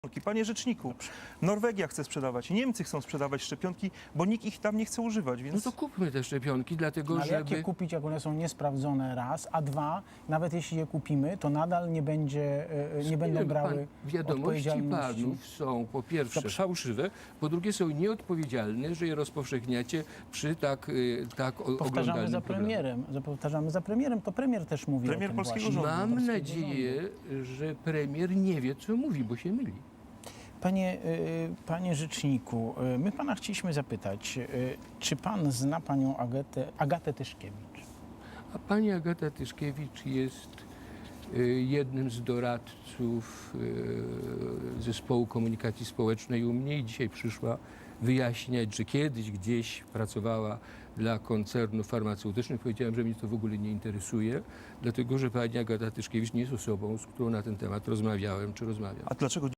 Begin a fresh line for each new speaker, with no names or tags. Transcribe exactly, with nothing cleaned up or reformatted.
Panie rzeczniku, Norwegia chce sprzedawać, Niemcy chcą sprzedawać szczepionki, bo nikt ich tam nie chce używać, więc...
No to kupmy te szczepionki, dlatego
Ale
żeby...
jak je kupić, jak one są niesprawdzone raz, a dwa, nawet jeśli je kupimy, to nadal nie, będzie, e, nie będą
Pan-
brały
Wiadomości
odpowiedzialności.
panów są po pierwsze
Dobrze.
fałszywe, po drugie są nieodpowiedzialne, że je rozpowszechniacie przy tak, y, tak o-
Powtarzamy
oglądanym
za
programie.
premierem, że powtarzamy za premierem, to premier też mówi
Premier
o tym
polskiego
właśnie.
rządu.
Mam
Polskiego
nadzieję,
rządu.
że premier nie wie, co mówi, bo się myli.
Panie, y, panie rzeczniku, y, my pana chcieliśmy zapytać, y, czy pan zna panią Agatę, Agatę Tyszkiewicz?
A pani Agata Tyszkiewicz jest y, jednym z doradców y, Zespołu Komunikacji Społecznej u mnie i dzisiaj przyszła wyjaśniać, że kiedyś gdzieś pracowała dla koncernów farmaceutycznych. Powiedziałem, że mnie to w ogóle nie interesuje, dlatego że pani Agata Tyszkiewicz nie jest osobą, z którą na ten temat rozmawiałem czy rozmawiam.
A dlaczego